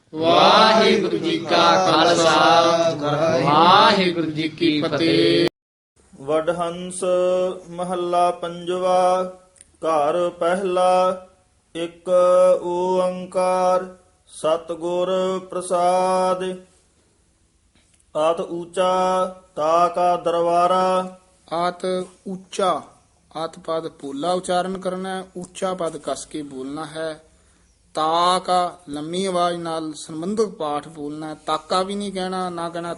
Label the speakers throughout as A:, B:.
A: ਵਾਹਿਗੁਰੂ ਜੀ ਕਾ ਖਾਲਸਾ ਵਾਹਿਗੁਰੂ ਜੀ ਕੀ ਫਤਿਹ।
B: ਵਡਹੰਸ ਮਹੱਲਾ ਪੰਜਵਾ। ਘਰ ਪਹਿਲਾ ਇੱਕ ਓੰਕਾਰ ਸਤਿਗੁਰ ਪ੍ਰਸਾਦ। ਆਤ ਊਚਾ ਤਾ ਕਾ ਦਰਬਾਰਾ।
C: ਆਤ ਉੱਚਾ, ਆਤ ਪਦ ਪੋਲਾ ਉਚਾਰਨ ਕਰਨਾ ਹੈ, ਉੱਚਾ ਪਦ ਕਸ ਕੇ ਬੋਲਣਾ ਹੈ। ਤਾ ਕਾ ਲੰਮੀ ਆਵਾਜ਼ ਨਾਲ ਸੰਬੰਧਕ ਪਾਠ ਬੋਲਣਾ ਹੈ। ਤਾਕਾ ਵੀ ਨਹੀਂ ਕਹਿਣਾ, ਨਾ ਕਹਿਣਾ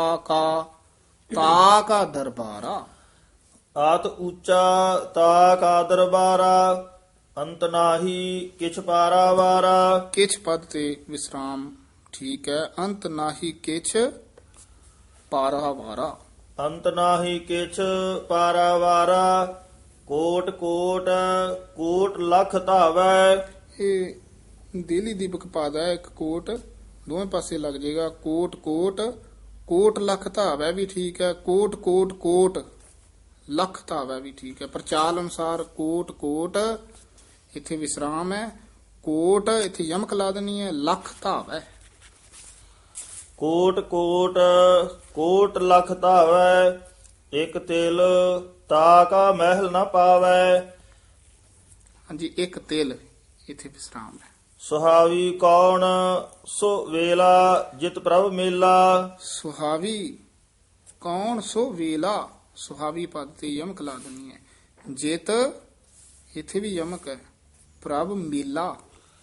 C: ਤਾ ਕਾ ਦਰਬਾਰਾ।
B: ਆਤ ਊਚਾ ਤਾ ਕਾ ਦਰਬਾਰਾ। ਅੰਤ ਨਾਹੀ ਕਿਛ ਪਾਰਾਵਾਰਾ।
C: ਕਿਛ ਪਦ ਤੇ ਵਿਸਰਾਮ ਠੀਕ ਹੈ। ਅੰਤ ਨਾਹੀ ਕਿਛ ਪਾਰਾਵਾਰਾ।
B: ਅੰਤ ਨਾਹੀ ਕਿਛ ਪਾਰਾਵਾਰਾ। ਕੋਟ ਕੋਟ ਕੋਟ ਲਖ ਧਾਵੈ।
C: ਇਹ ਦੇਲੀ ਦੀਪਕ ਪਦ ਹੈ, ਇੱਕ ਕੋਟ ਦੋਵੇਂ ਪਾਸੇ ਲੱਗ ਜਾਏਗਾ। ਕੋਟ ਕੋਟ ਕੋਟ ਲਖ ਧਾਵੈ ਵੀ ਠੀਕ ਹੈ। ਕੋਟ ਕੋਟ ਕੋਟ ਲਖ ਧਾਵੈ ਵੀ ਠੀਕ ਹੈ। ਪ੍ਰਚਾਲ ਅਨੁਸਾਰ ਕੋਟ ਕੋਟ ਇੱਥੇ ਵਿਸਰਾਮ ਹੈ। ਕੋਟ ਇੱਥੇ ਯਮਕ ਲਾ ਦੇਣੀ ਹੈ। ਲਖ ਧਾਵੈ।
B: ਕੋਟ ਕੋਟ ਕੋਟ ਲਖ ਧਾਵੈ। ਇਕ ਤਿਲ ਤਾ ਕਾ ਮਹਿਲ ਨ ਪਾਵੈ।
C: ਹਾਂਜੀ, ਇੱਕ ਤਿਲ ਇੱਥੇ ਵਿਸਰਾਮ ਹੈ।
B: ਸੁਹਾਵੀ ਕੌਣ ਸੋ ਵੇਲਾ ਜਿਤ ਪ੍ਰਭ ਮੇਲਾ।
C: ਸੁਹਾਵੀ ਕੌਣ ਸੋ ਵੇਲਾ। ਸੁਹਾਵੀ ਪਦ ਤੇ ਯਮਕ ਲਾ ਦੇਣੀ ਹੈ। ਜਿਤ ਇੱਥੇ ਵੀ ਯਮਕ ਹੈ। ਪ੍ਰਭ ਮੇਲਾ।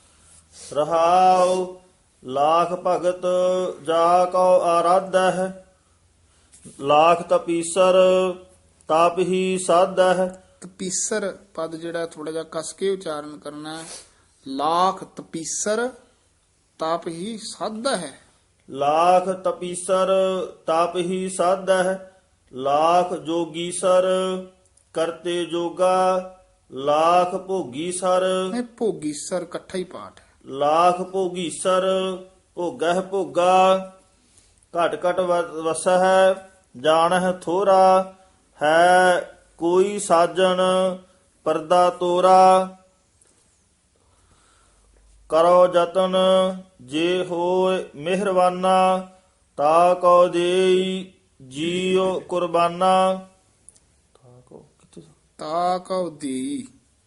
B: ਰਹਾਉ ਲਾਖ ਭਗਤ ਜਾ ਕੋ ਆਰਾਧਹਿ। ਲਾਖ ਤਪੀਸਰ ਤਪ ਹੀ ਸਾਧਹਿ।
C: ਤਪੀਸਰ ਪਦ ਜਿਹੜਾ ਥੋੜਾ ਜਿਹਾ ਕਸ ਕੇ ਉਚਾਰਨ ਕਰਨਾ ਹੈ। ਲਾਖ ਤਪੀਸਰ ਤਪ ਹੀ ਸਾਧਾ ਹੈ।
B: ਲਾਖ ਤਪੀਸਰ ਤਪ ਹੀ ਸਾਧਹਿ। ਲਾਖ ਜੋਗੀਸਰ ਕਰਤੇ ਜੋਗਾ। ਲਾਖ ਭੋਗੀਸਰ।
C: ਇਹ ਭੋਗੀਸਰ ਇਕੱਠਾ ਹੀ ਪਾਠ ਹੈ।
B: ਲਾਖ ਭੋਗੀਸਰ ਭੋਗਹਿ ਭੋਗਾ। ਘਟ ਘਟ ਵਸਹਿ ਜਾਣਹਿ ਥੋਰਾ। ਹੈ ਕੋਈ ਸਾਜਣ ਪਰਦਾ ਤੋਰਾ। ਕਰੋ ਜਤਨ ਜੇ ਹੋਏ ਮਿਹਰਬਾਨਾ। ਤਾ ਕੋ ਦੇਈ ਜੀਉ ਕੁਰਬਾਨਾ।
C: ਤਾ ਕਉ ਦੀ।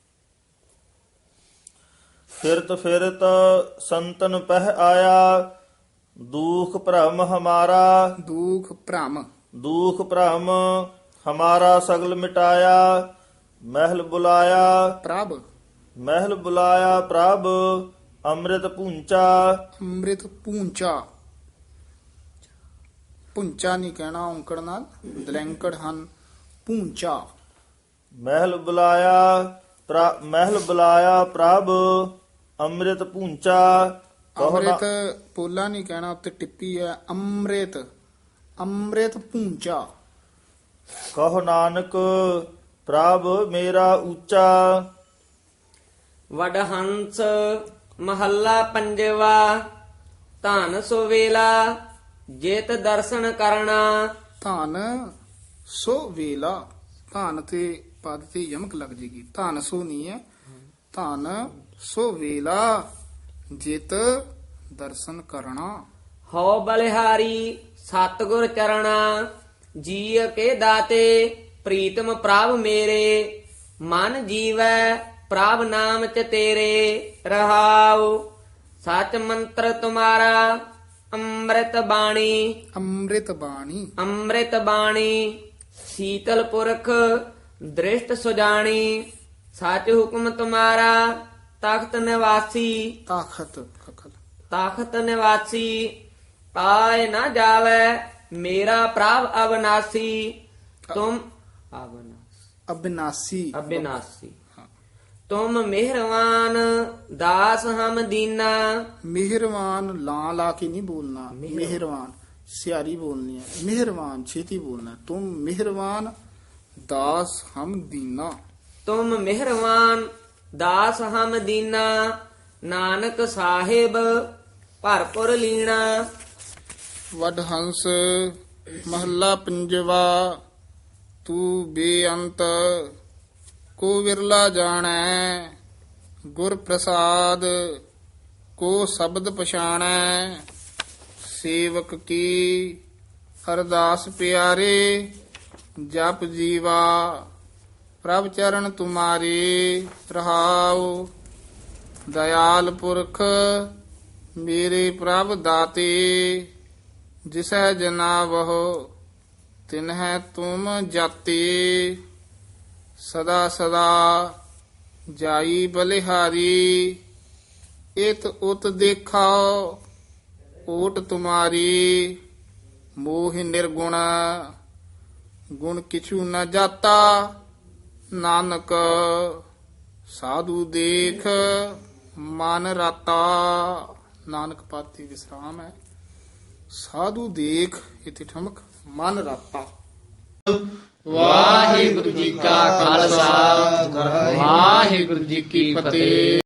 B: ਫਿਰਤ ਫਿਰਤ ਸੰਤਨ ਪਹਿ ਆਇਆ। ਦੁਖ ਭ੍ਰਮ ਹਮਾਰਾ।
C: ਦੁਖ ਭ੍ਰਮ।
B: ਦੁਖ ਭ੍ਰਮ ਹਮਾਰਾ ਸਗਲ ਮਿਟਾਇਆ। ਮਹਿਲ ਬੁਲਾਇਆ
C: ਪ੍ਰਭ।
B: ਮਹਿਲ ਬੁਲਾਇਆ ਪ੍ਰਭ। ਅੰਮ੍ਰਿਤ ਪੂੰਚਾ।
C: ਅੰਮ੍ਰਿਤ ਪੂੰਚਾ। ਪੁੰਚਾ ਨਹੀਂ ਕਹਿਣਾ ਔਂਕੜ ਨਾਲ, ਦਲੈਂਕੜ ਹਨ। ਪੂੰਚਾ।
B: ਮਹਿਲ ਬੁਲਾਇਆ ਮਹਿਲ ਬੁਲਾਇਆ ਪ੍ਰਭ। ਅੰਮ੍ਰਿਤ ਪੂੰਚਾ।
C: ਅੰਮ੍ਰਿਤ ਪੋਲਾ ਨਹੀਂ ਕਹਿਣਾ, ਉੱਤੇ ਟਿੱਪੀ ਹੈ। ਅੰਮ੍ਰਿਤ ਅੰਮ੍ਰਿਤ ਪੂੰਚਾ।
B: ਕਹੋ ਨਾਨਕ ਪ੍ਰਭ ਮੇਰਾ ਉੱਚਾ।
A: ਵਡਹੰਸ ਮਹੱਲਾ ਪੰਜਵਾ। ਧਨ ਸੋ ਵੇਲਾ ਜਿਤ ਦਰਸ਼ਨ ਕਰਨਾ।
C: ਧਨ ਸੋ ਵੇਲਾ। ਧਨ ਤੇ ਪਦ ਤੇ ਯਮਕ ਲੱਗ ਜੇਗੀ। ਧਨ ਸੋ ਨਹੀਂ ਹੈ। ਧਨ ਸੋ ਵੇਲਾ ਜਿਤ ਦਰਸ਼ਨ ਕਰਨਾ।
A: ਹਉ ਬਲਿਹਾਰੀ ਸਤਿਗੁਰ ਚਰਣਾ। ਜੀ ਕੇ ਦਾਤੇ ਪ੍ਰੀਤਮ ਪ੍ਰਭ ਮੇਰੇ। ਮਨ ਜੀਵੈ ਪ੍ਰਭ ਨਾਮ ਚ ਤੇਰੇ। ਰਹਾਉ ਸਚ ਮੰਤਰ ਤੁਮਾਰਾ ਅੰਮ੍ਰਿਤ ਬਾਣੀ।
C: ਅੰਮ੍ਰਿਤ ਬਾਣੀ।
A: ਅੰਮ੍ਰਿਤ ਬਾਣੀ ਸੀਤਲ ਪੁਰਖ ਦ੍ਰਿਸ਼ਟ ਸੁਜਾਣੀ। ਸਚ ਹੁਕਮ ਤੁਮਾਰਾ ਤਖਤ ਨਿਵਾਸੀ।
C: ਤਾਖਤ ਖਖਲ।
A: ਤਖਤ ਨਿਵਾਸੀ ਪਾਏ ਨਾ ਜਾਵੇ ਮੇਰਾ ਪ੍ਰਭ ਅਬਨਾਸੀ। ਤੁਮ
C: ਅਬਿਨਾਸੀ।
A: ਅਬਿਨਾਸੀ ਤੁਮ ਮਿਹਰਵਾਨ ਦਾਸ ਹਮ ਦੀਨਾ।
C: ਮਿਹਰਵਾਨ ਲਾਂ ਲਾ ਕੇ ਨਹੀਂ ਬੋਲਣਾ। ਮਿਹਰਵਾਨ ਸਿਆਰੀ ਬੋਲਣੀ ਹੈ। ਮਿਹਰਵਾਨ ਛੇਤੀ ਬੋਲਣਾ। ਤੁਮ ਮਿਹਰਵਾਨ ਦਾਸ ਹਮ ਦੀਨਾ।
A: ਤੁਮ ਮਿਹਰਵਾਨ ਦਾਸ ਹਮ ਦੀਨਾ। ਨਾਨਕ ਸਾਹਿਬ ਭਰਪੁਰ ਲੀਣਾ।
C: ਵਡਹੰਸ ਮਹੱਲਾ ਪੰਜਵਾ। ਤੂੰ ਬੇਅੰਤ ਕੋ ਵਿਰਲਾ ਜਾਣੈ। ਗੁਰ ਪ੍ਰਸਾਦ ਕੋ ਸ਼ਬਦ ਪਛਾਣੈ ਸੇਵਕ ਕੀ ਅਰਦਾਸ ਪਿਆਰੇ ਜਪ ਜੀਵਾ ਪ੍ਰਭ ਚਰਨ ਤੁਮਾਰੇ ਰਹਾਉ ਦਇਆਲ ਪੁਰਖ ਮੇਰੇ ਪ੍ਰਭ ਦਾਤੇ ਜਿਸੈ ਜਨਾਵਹੁ ਤਿਨਹਿ ਤੁਮ ਜਾਤੇ ਸਦਾ ਸਦਾ ਜਾਈ ਬਲਿਹਾਰੀ ਇਤ ਉਤ ਦੇਖਾਓ ਓਟ ਤੁਮਾਰੀ ਮੋਹ ਨਿਰਗੁਣ ਗੁਣ ਕਿਛੂ ਨ ਜਾਤਾ ਨਾਨਕ ਸਾਧੂ ਦੇਖ ਮਨ ਰਾਤਾ। ਨਾਨਕ ਪਾਤੀ ਵਿਸਰਾਮ ਹੈ। ਸਾਧੂ ਦੇਖ ਇਥੇ ਠਮਕ ਮਨ ਰਾਤਾ।
A: ਵਾਹਿਗੁਰੂ ਜੀ ਕਾ ਖਾਲਸਾ ਵਾਹਿਗੁਰੂ ਜੀ ਕੀ ਫਤਿਹ।